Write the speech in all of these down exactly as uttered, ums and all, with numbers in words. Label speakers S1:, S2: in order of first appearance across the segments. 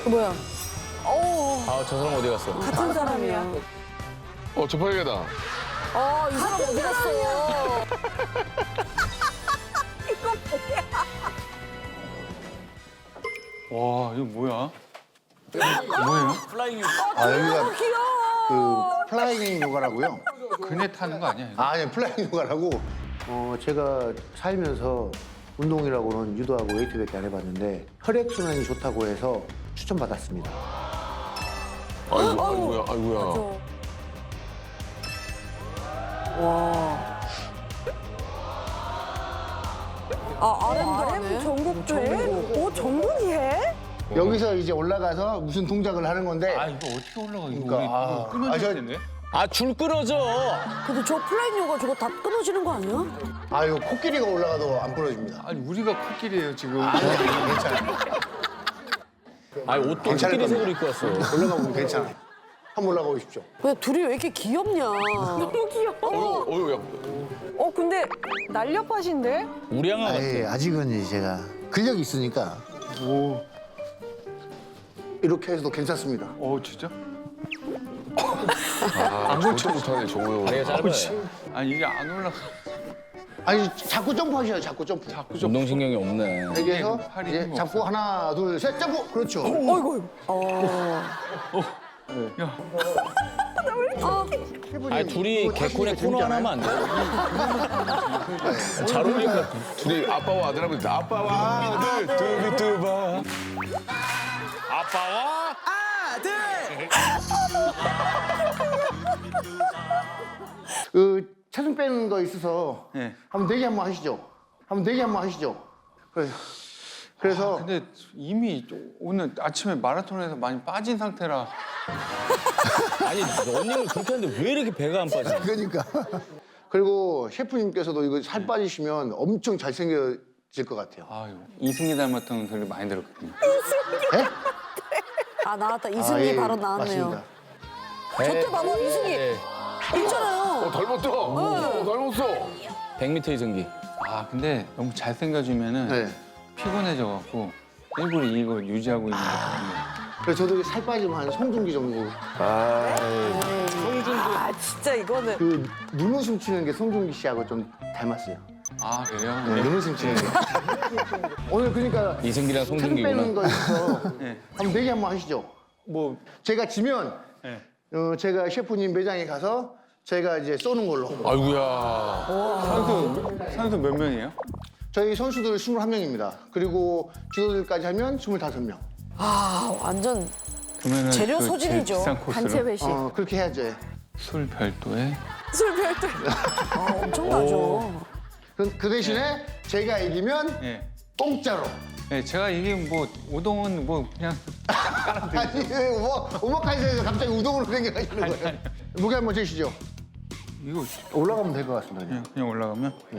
S1: 뭐야? 어,
S2: 아, 저 사람 어디 갔어?
S1: 같은 사람이야.
S3: 어, 저팔계다.
S1: 어, 이 사람 어디 갔어?
S4: 와, 이거 뭐야? 뭐예요?
S2: 플라잉 유.
S5: 아, 여기가
S1: 귀여워.
S5: 그 플라잉 요가라고요?
S4: 그네 타는 거 아니야, 이거?
S5: 아, 아니, 플라잉 요가라고. 어, 제가 살면서 운동이라고는 유도하고 웨이트밖에 안 해봤는데 혈액순환이 좋다고 해서 추천받았습니다.
S3: 아이고, 아이고야, 아이고야.
S1: 와. 아, 아렘도 하네.
S6: 전국도 해? 오, 전국이 해?
S5: 여기서 이제 올라가서 무슨 동작을 하는 건데
S4: 아, 이거 어떻게 올라가, 이거.
S5: 그러니까,
S4: 우리
S5: 아,
S4: 이거 끊어질
S5: 아, 저-
S4: 텐데?
S2: 아, 줄 끊어져.
S1: 근데 저 플라잉 요가 저거 다 끊어지는 거 아니야?
S5: 아, 이거 코끼리가 올라가도 안 부러집니다.
S4: 아니, 우리가 코끼리예요, 지금.
S5: 괜찮아요.
S2: 아, 옷도
S5: 괜찮을
S2: 코끼리 색으로
S5: 겁니다.
S2: 입고 왔어.
S5: 올라가보면 괜찮아요. 한번 올라가 보십시오.
S1: 왜 둘이 왜 이렇게 귀엽냐?
S6: 너무 귀여워.
S3: 어이구, 어이구, 야.
S6: 어, 근데 날렵하신데?
S2: 우량아 같아.
S5: 아예 아직은 이제 제가 근력이 있으니까
S4: 오,
S5: 이렇게 해서도 괜찮습니다.
S4: 어, 진짜?
S3: 아, 저것도 못하네, 저거.
S2: 다리가 짧아요.
S4: 아니, 이게 안 올라가.
S5: 아니, 자꾸 점프하셔요, 자꾸 점프.
S4: 자꾸 좀.
S2: 운동신경이 없네.
S5: 여기에서
S4: 팔이
S5: 이제
S4: 힘이
S5: 잡고 하나, 둘, 셋, 점프! 그렇죠.
S1: 어이구. 어.
S4: 야,
S2: 아니, 둘이 개콘의 코너 하나 하면 안 돼? 잘 어울릴 것 같아.
S3: 둘이 아빠와 아들 하면 돼. 아빠와 아들, 두비두바.
S2: 아빠와
S5: 그 체중 빼는 거 있어서
S4: 네.
S5: 한번 내기 한번 하시죠. 한번 내기 한번 하시죠. 그래서 그래서
S4: 근데 이미 오늘 아침에 마라톤에서 많이 빠진 상태라.
S2: 아니, 러닝을 그렇게 하는데 왜 이렇게 배가 안 빠져?
S5: 그러니까 그리고 셰프님께서도 이거 살 빠지시면 엄청 잘생겨질 것 같아요.
S4: 아유, 이승기 닮았다는 소리 많이 들었거든요.
S1: 아, 나왔다. 이승기
S5: 아, 예,
S1: 바로 나왔네요.
S5: 맞습니다.
S1: 저때 봐봐, 이승기.
S2: 네.
S1: 있잖아요.
S3: 어, 닮았다. 어, 닮았어.
S2: 백 미터 이승기.
S4: 아, 근데 너무 잘생겨지면은
S5: 네.
S4: 피곤해져갖고 일부러 이거 유지하고 있는 것 같아요.
S5: 그래서 저도 살 빠지면 한 송중기 정도.
S6: 아, 진짜 이거는.
S5: 그 눈웃음 치는 게 송중기 씨하고 좀 닮았어요.
S4: 아, 그래요?
S5: 네, 눈웃음 치는 게. 오늘 그러니까
S2: 이승기랑
S5: 체중
S2: 송중기구나.
S5: 빼는 거 있어서
S4: 네.
S5: 한번 내기 한번 하시죠.
S4: 뭐,
S5: 제가 지면
S4: 네.
S5: 어, 제가 셰프님 매장에 가서 제가 이제 쏘는 걸로.
S3: 아이고야.
S4: 선수, 선수 몇 명이에요?
S5: 저희 선수들 스물한 명입니다. 그리고 주도들까지 하면 스물다섯 명.
S1: 아, 완전
S4: 그러면은
S1: 재료
S4: 그 제일
S1: 소진이죠.
S4: 비싼 코스로
S6: 단체 회식.
S5: 어, 그렇게 해야죠.
S4: 술 별도에
S6: 술 별도.
S1: 아, 엄청나죠.
S5: 그, 그 대신에 제가 이기면
S4: 예.
S5: 공짜로.
S4: 네, 제가 이게 뭐 우동은 뭐 그냥
S5: 아니, 뭐, 오마카세에서 갑자기 우동으로 생겨가시는 거예요. 무게 한번 재시죠.
S4: 이거
S5: 올라가면 될 것 같습니다.
S4: 그냥, 그냥 올라가면
S5: 예.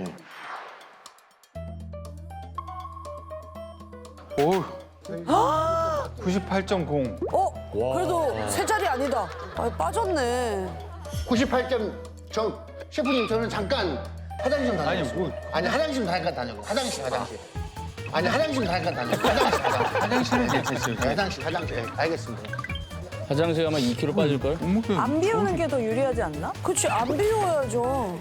S4: 오 구십팔 점 공.
S1: 어? 그래도 세 자리 아니다. 아, 빠졌네.
S5: 구십팔 점, 저, 셰프님, 저는 잠깐 화장실 좀
S4: 아니,
S5: 다녀왔어요.
S4: 뭐.
S5: 아니, 화장실 좀 잠깐 다녀요. 화장실, 화장실. 아니, 화장실 좀 잠깐 다녀요. 화장실, 화장실.
S4: 화장실은 괜찮죠.
S5: 네, 화장실, 화장실. 네, 알겠습니다.
S2: 화장실 가면 이 킬로그램 빠질걸?
S4: 몸무게
S6: 안 비우는 게 더 유리하지 않나?
S1: 그치, 안 비워야죠.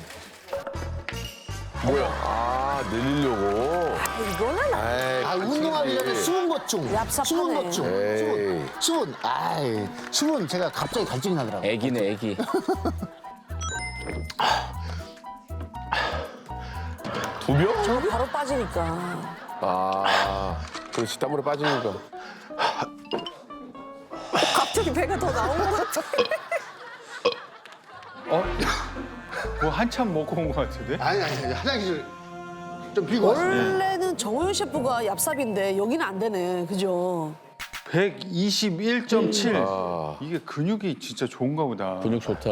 S3: 뭐야? 아, 내리려고.
S6: 이거는
S3: 에이,
S5: 아, 운동하기 전에 수분 보충.
S1: 얍삽하네.
S5: 수분 보충.
S3: 에이.
S5: 수분. 수분. 아이, 수분 제가 갑자기 갈증이 나더라고요.
S2: 애기네, 애기.
S3: 두 명?
S1: 저거 바로 빠지니까.
S3: 아, 그렇지. 땀으로 빠지니까.
S6: 갑자기 배가 더 나온 것 같아.
S4: 어? 뭐 한참 먹고 온 것 같은데?
S5: 아니, 아니, 아니, 화장실 좀 비고 왔습니다.
S1: 원래는 정호연 셰프가 얍삽인데 여기는 안 되네. 그죠?
S4: 백이십일 점 칠.
S3: 아.
S4: 이게 근육이 진짜 좋은가 보다.
S2: 근육 좋다.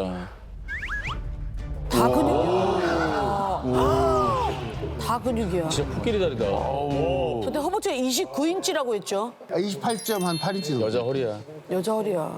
S1: 다 근육이야. 다 근육이야.
S2: 진짜 코끼리 다리다.
S1: 근데 허벅지가 이십구 인치라고 했죠?
S5: 이십팔 점 팔 인치 정도.
S2: 여자 허리야.
S1: 여자 허리야.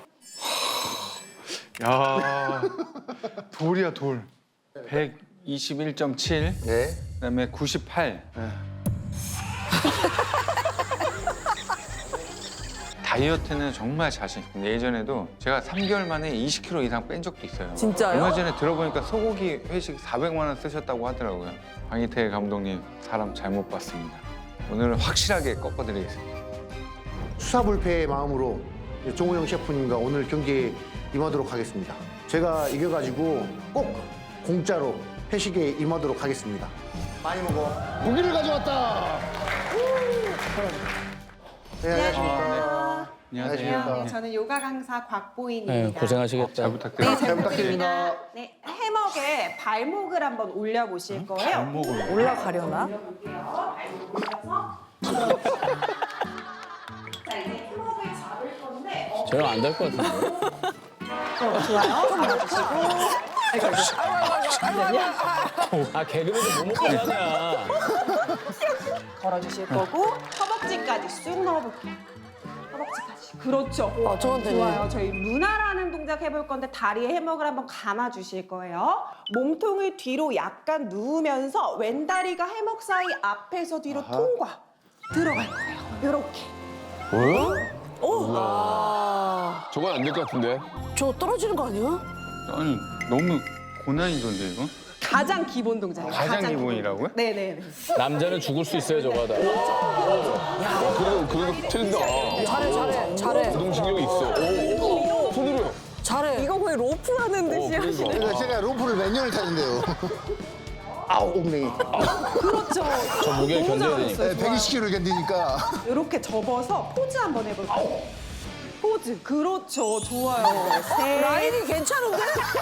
S4: 야 돌이야 돌. 백이십일 점 칠.
S5: 네.
S4: 그다음에 구십팔. 다이어트는 정말 자신 있습니다. 예전에도 제가 삼 개월 만에 이십 킬로그램 이상 뺀 적도 있어요.
S6: 진짜요?
S4: 얼마 전에 들어보니까 소고기 회식 사백만 원 쓰셨다고 하더라고요. 황희태 감독님 사람 잘못 봤습니다. 오늘은 확실하게 꺾어드리겠습니다.
S5: 수사불패의 마음으로 종호영 셰프님과 오늘 경기에 임하도록 하겠습니다. 제가 이겨가지고 꼭 공짜로 회식에 임하도록 하겠습니다. 많이 먹어. 고기를 가져왔다. 네, 안녕하십니까.
S4: 안녕하세요.
S5: 안녕하십니까.
S7: 저는 요가 강사
S2: 네,
S7: 곽보인입니다.
S2: 고생하시겠다.
S4: 잘 부탁드립니다.
S7: 네, 잘
S5: 부탁드립니다.
S7: 부탁드립니다. 네, 해먹에 발목을 한번 올려보실 거예요.
S4: 발목을
S6: 올라가려나?
S7: 자, 이제 해먹을 잡을 건데 어,
S2: 저형 안 될 것 같은데.
S7: 좋아요. 잡아주시고
S2: 아, 개그맨도 뭐 먹고 사냐.
S7: 걸어주실 거고 허벅지까지 쑥 넣어볼게요. 허벅지까지. 그렇죠.
S1: 어, 저건 되네.
S7: 좋아요. 저희 루나라는 동작 해볼 건데 다리에 해먹을 한번 감아주실 거예요. 몸통을 뒤로 약간 누우면서 왼다리가 해먹 사이 앞에서 뒤로 통과. 들어갈 거예요. 이렇게.
S3: 저건 안 될 것 같은데.
S1: 저 떨어지는 거 아니야?
S4: 아니 너무 고난이도인데 이거?
S7: 가장 기본 동작이에요.
S4: 가장 기본이라고요?
S7: 네네.
S2: 남자는 죽을 수 있어요, 저거 하다.
S3: 그래도 그래도 틀린다.
S1: 잘해, 잘해, 잘해.
S3: 운동신경이 있어. 오, 손으로 해.
S1: 잘해.
S6: 이거 거의 로프 하는 듯이
S3: 그러니까.
S6: 하시네.
S5: 그러니까 제가 로프를 몇 년을 타는데요. 아우, 옥냉이.
S7: 그렇죠.
S2: 저 무게를
S7: 너무
S2: 견뎌야 되니까.
S7: 잘하셨어요.
S5: 백이십 킬로그램을 견디니까.
S7: 이렇게 접어서 포즈 한번 해볼게요. 포즈. 그렇죠. 좋아요. 셋.
S1: 라인이 괜찮은데?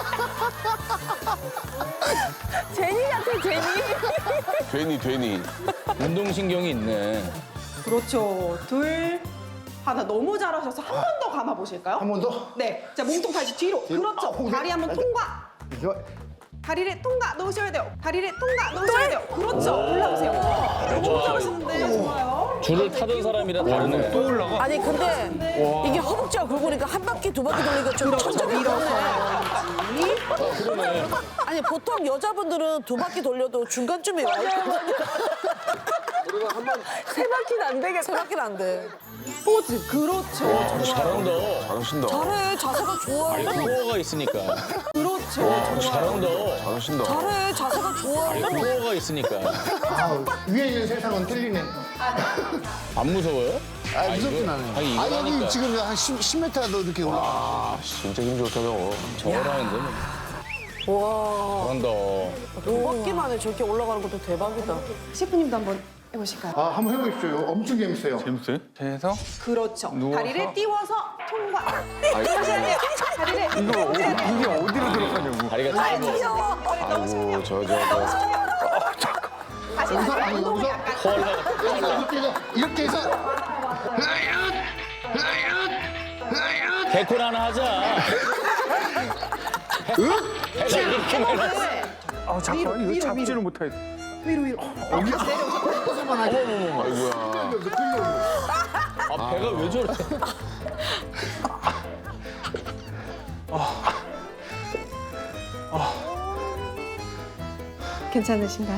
S6: 제니 같아, 제니.
S3: 괜히 괜히.
S2: 운동신경이 있네.
S7: 그렇죠. 둘. 하나 너무 잘하셔서 한 번 더 감아보실까요?
S5: 한 번 더.
S7: 네. 자, 몸통 다시 뒤로. 그렇죠.
S5: 아,
S7: 다리 한번 통과.
S5: 좋아.
S7: 다리를 통과 넣으셔야 돼요. 다리를 통과 넣으셔야 돼요. 그렇죠. 올라오세요. 너무 잘하시는데. 좋아요.
S2: 줄을 타던 사람이라 다르네.
S4: 또 올라가?
S1: 아니, 근데 이게 허벅지가 굵으니까 한 바퀴, 두 바퀴 돌리니까 좀 천천히
S7: 밀어서.
S1: 그러네. 아니, 보통 여자분들은 두 바퀴 돌려도 중간쯤에 와요.
S6: 세 바퀴는 안 되겠다.
S1: 세 바퀴는 안 돼.
S7: 포즈. 그렇죠.
S2: 아, 잘한다.
S3: 잘하신다.
S1: 잘해, 자세가 좋아.
S2: 아니, 코어가 있으니까.
S7: 그렇죠.
S2: 잘한다.
S3: 잘하신다.
S1: 잘해, 자세가 좋아.
S2: 아니, 코어가 있으니까.
S5: 아, 위에 있는 세상은 틀리네.
S2: 안 무서워요?
S5: 아, 무섭진 않아요.
S2: 아니, 이거
S5: 아니, 여기
S2: 하니까.
S5: 지금 한 십 미터도 이렇게 올라.
S3: 아, 진짜 힘 좋다 너.
S2: 저거라는데 뭐.
S1: 와,
S2: 잘한다.
S1: 두 바퀴만에 저렇게 올라가는 것도 대박이다.
S7: 셰프님도 한번 해보실까요?
S5: 아, 한번 해보십시오. 엄청 재밌어요.
S4: 재밌어요? 해서
S7: 그렇죠.
S4: 누워서?
S7: 다리를 띄워서 통과. 하셔야 돼요. 다리를
S4: 이거 어, 이게 어디로 들어가냐고.
S2: 다리가 짧아.
S3: 아이고 저 저 저.
S7: 다시
S5: 여기서,
S7: 다리
S5: 아니,
S7: 운동을
S5: 여기서.
S7: 약간
S5: 이렇게 해서, 이렇게 해서.
S2: 개콘 하나 하자. 해가 이렇게 많이
S4: 아 잠깐 이거 잡지를 못하겠어.
S7: 위로 위로.
S3: 아이고야.
S2: 아, 배가 왜 저래?
S7: 괜찮으신가요?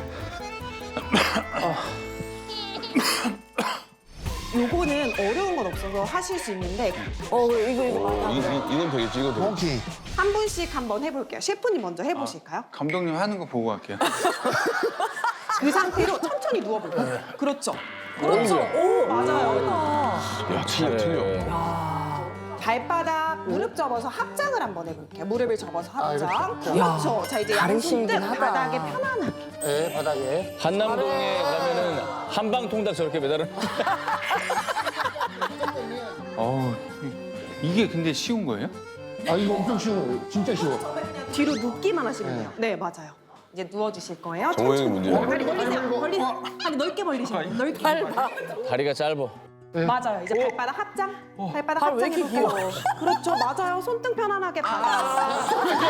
S7: 요거는 어려운 건 없어서 하실 수 있는데
S1: 어, 이거, 이거.
S3: 어, 이, 이, 이건 되겠지 이건 되겠지.
S5: 오케이.
S7: 한 분씩 한번 해볼게요. 셰프님 먼저 해보실까요?
S4: 감독님 하는 거 보고 갈게요.
S7: 그 상태로 천천히 누워볼까요? 그렇죠. 그렇죠. 오, 맞아요.
S3: 야 틀려 틀려.
S7: 발바닥 무릎 접어서 합장을 한번 해볼게요. 무릎을 접어서 합장.
S5: 이렇게.
S7: 그렇죠. 자, 이제 양손
S6: 다르시긴
S7: 등
S6: 하다.
S7: 바닥에 편안하게.
S5: 네, 바닥에.
S2: 한남동에 가면은 한방 통닭 저렇게 매달은.
S4: 어우 이게 근데 쉬운 거예요?
S5: 아, 이거 엄청 쉬워요. 진짜 쉬워.
S7: 뒤로 눕기만 하시면 돼요. 네, 맞아요. 이제 누워주실 거예요.
S3: 정호영이
S7: 천천히.
S3: 문제야.
S7: 다리 벌리세요. 벌리세요. 다리 넓게 벌리시면 돼요. 넓게. 밟아.
S2: 다리가 짧아.
S7: 맞아요. 이제 발바닥 합장. 발바닥
S1: 발 왜
S7: 합장
S1: 이렇게
S7: 해볼게요. 그렇죠. 맞아요. 손등 편안하게 받아.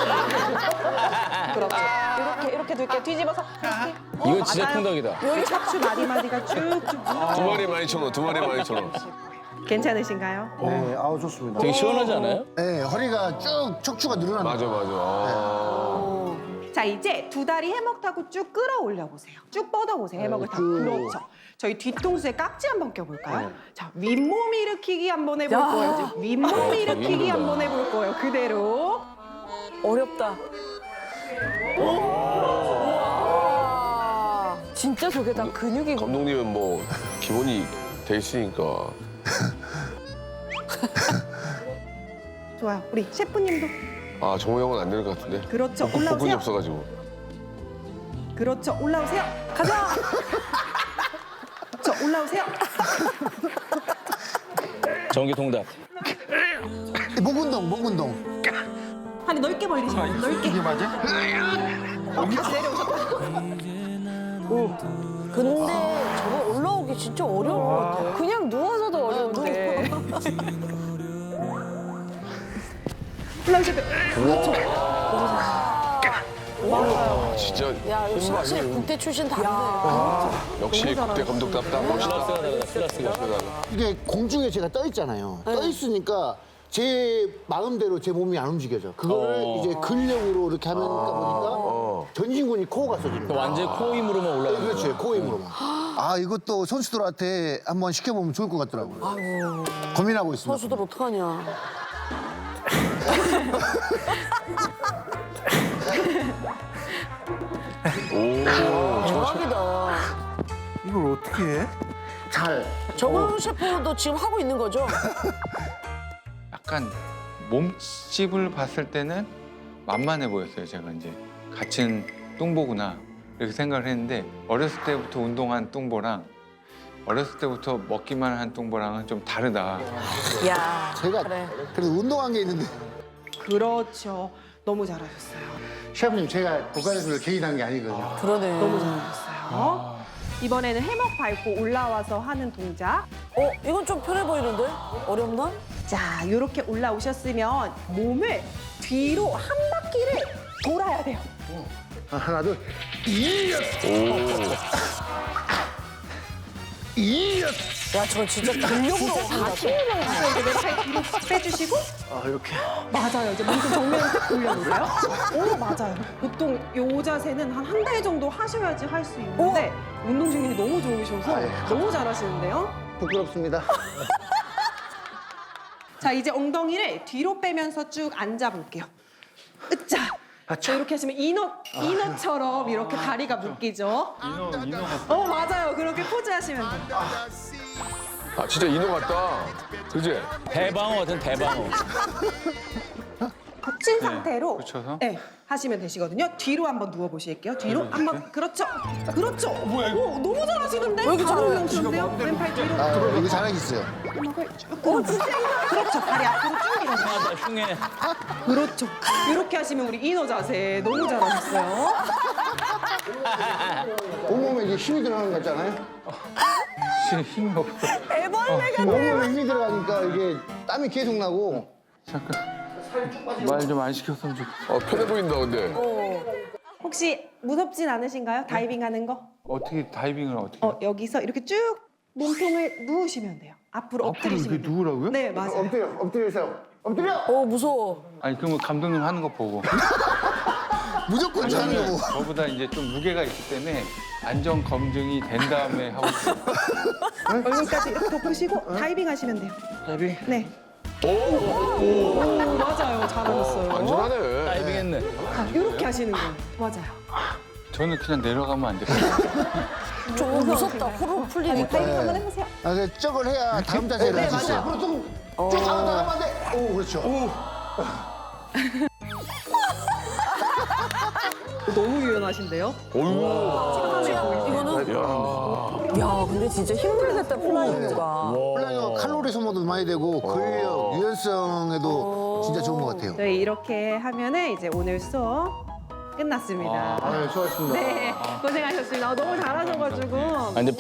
S7: 그렇죠. 이렇게 이렇게 둘게 뒤집어서 이렇게.
S2: 이거 진짜
S7: 맞아요.
S2: 통닭이다.
S7: 여기 척추 마디마디가 쭉쭉.
S3: 두 마리 많이 천 두 마리 많이 천
S7: 괜찮으신가요?
S5: 네, 아우, 좋습니다.
S2: 되게 시원하지 않아요?
S5: 네, 허리가 쭉 척추가 늘어납니다.
S3: 맞아 맞아. 아.
S7: 자, 이제 두 다리 해먹 타고 쭉 끌어올려 보세요. 쭉 뻗어 보세요. 해먹을
S5: 네,
S7: 타고.
S5: 쭉.
S7: 그렇죠. 저희 뒤통수에 깍지 한번 껴볼까요? 자, 윗몸 일으키기 한번 해볼 거예요. 지금 윗몸 일으키기 한번 해볼 거예요. 그대로.
S6: 어렵다. 우와. 진짜 저게 다 근육이고.
S3: 감독님은 뭐 기본이 돼 있으니까.
S7: 좋아요. 우리 셰프님도.
S3: 아 정호 형은 안 되는 것 같은데.
S7: 그렇죠.
S3: 복근이
S7: 올라오세요.
S3: 없어가지고.
S7: 그렇죠. 올라오세요. 가자. 저 올라오세요.
S2: 정기 통닭.
S5: 목 운동, 목 운동.
S7: 다리 넓게 벌리시고 넓게.
S4: 이게 맞아?
S7: 어, 다시 내려오셨다.
S1: 근데 저거 올라오기 진짜 어려울 것 같아.
S6: 그냥 누워서도 어려운데.
S7: 올라오세요.
S3: 아, 진짜
S1: 야, 역시 확실히 국대 출신 다르네.
S3: 역시 국대 감독답다 멋있다.
S2: 클래스가 다르다, 클래스가.
S5: 이게 공중에 제가 떠 있잖아요. 떠 있으니까 제 마음대로 제 몸이 안 움직여져. 그거를
S2: 어.
S5: 이제 근력으로 이렇게 하면 보니까
S3: 어.
S5: 전신근이 코어가 써집니다.
S2: 완전 코 힘으로만
S5: 네,
S2: 올라가는
S5: 그렇죠. 코어 힘으로만. 아, 이것도 선수들한테 한번 시켜보면 좋을 것 같더라고요. 고민하고 있습니다.
S1: 선수들 어떡하냐. 대박이다.
S5: 이걸 어떻게 해? 잘.
S1: 정우 셰프도 지금 하고 있는 거죠?
S4: 약간 몸집을 봤을 때는 만만해 보였어요. 제가 이제 갇힌 뚱보구나 이렇게 생각을 했는데 어렸을 때부터 운동한 뚱보랑 어렸을 때부터 먹기만 한 뚱보랑은 좀 다르다.
S1: 야,
S5: 제가
S1: 그래.
S5: 그래도 운동한 게 있는데.
S7: 그렇죠. 너무 잘하셨어요.
S5: 셰프님, 제가 국가대표를 개인한 게 아니거든요.
S1: 그러네.
S7: 너무 잘하셨어요. 이번에는 해먹 밟고 올라와서 하는 동작.
S1: 어, 이건 좀 편해 보이는데? 어렵나?
S7: 자, 이렇게 올라오셨으면 몸을 뒤로 한 바퀴를 돌아야 돼요.
S5: 아, 하나, 둘.
S1: 야, 저건 진짜 근력으로 한다.
S7: 그래서 이제 왼팔 뒤로 빼주시고.
S5: 아, 이렇게.
S7: 맞아요. 이제 몸좀 정면으로 딱 돌려보세요. 오, 맞아요. 보통 요 자세는 한 한 달 정도 하셔야지 할 수 있는데 운동 중력이 너무 좋으셔서
S5: 아, 예.
S7: 너무 잘하시는데요.
S5: 부끄럽습니다.
S7: 자, 이제 엉덩이를 뒤로 빼면서 쭉 앉아볼게요. 으짜. 자, 이렇게 하시면 인어, 인어처럼 이렇게 다리가 묶이죠.
S4: 인어, 인어
S7: 어, 맞아요. 그렇게 포즈 하시면 돼요.
S3: 아 진짜 인어 같다. 그지?
S2: 대방어 같은 대방어.
S7: 겹친 상태로
S4: 붙여서?
S7: 네, 하시면 되시거든요. 뒤로 한번 누워보실게요. 뒤로 한번 그렇죠. 그렇죠. 뭐야 이거? 오, 너무 잘하시는데?
S1: 왜 이렇게
S7: 바로
S1: 잘해?
S7: 올라오시는데요? 왼팔 뒤로.
S5: 아, 이거 자랑있어요.
S7: 음악을 쭉 끌어주세요. 그렇죠. 다리 앞으로 쭉 밀어주세요.
S2: 아, 나 흉해.
S7: 그렇죠. 이렇게 하시면 우리 인어 자세 너무 잘하셨어요.
S5: 온몸에 이제 힘이 들어가는 거 같잖아요.
S4: 지금 힘이 없어.
S6: 애벌레가
S5: 온몸에 힘이 들어가니까 이게 땀이 계속 나고.
S4: 잠깐 말 좀 안 시켰으면 좋겠어.
S3: 어 편해 보인다 근데.
S7: 혹시 무섭진 않으신가요? 다이빙 하는 거?
S4: 어떻게 다이빙을 어떻게?
S7: 어, 여기서 이렇게 쭉 몸통을 누우시면 돼요. 앞으로
S4: 앞으로
S7: 엎드리시면
S4: 이렇게
S7: 돼요.
S4: 누우라고요?
S7: 네, 맞아요.
S5: 엎드려, 엎드리세요. 엎드려!
S1: 어, 무서워.
S4: 아니 그러면 감독님 하는 거 보고
S5: 무조건 잘하는 거고.
S4: 저보다 이제 좀 무게가 있기 때문에 안전 검증이 된 다음에 하고 싶어요.
S7: 얼굴까지 이렇게 덮으시고 다이빙 하시면 돼요.
S5: 다이빙.
S7: 네.
S3: 오,
S7: 오, 맞아요. 잘하셨어요.
S3: 안전하네.
S2: 다이빙 했네.
S7: 자, 이렇게 하시는 거예요. 맞아요.
S4: 저는 그냥 내려가면 안 돼요.
S1: 좀 무섭다. 호로 풀리니까.
S7: 다이빙 한번 해보세요.
S5: 아, 그 저걸 해야 다음 자세를
S7: 네,
S5: 할 수 있어요.
S7: 맞아요.
S5: 앞으로 좀, 쭉 가면 더 하면 안 돼. 오, 그렇죠.
S7: 너무 유연하신데요?
S3: 어이구.
S1: 이거는
S6: 야, 근데 진짜 힘들겠다, 플라잉가.
S5: 플라잉어 칼로리 소모도 많이 되고 근력, 유연성에도 진짜 좋은 것 같아요.
S7: 저희 이렇게 하면은 이제 오늘 수업 끝났습니다.
S5: 아, 수고하셨습니다.
S7: 네, 고생하셨습니다. 아, 너무 잘하셔가지고.
S2: 아, 근데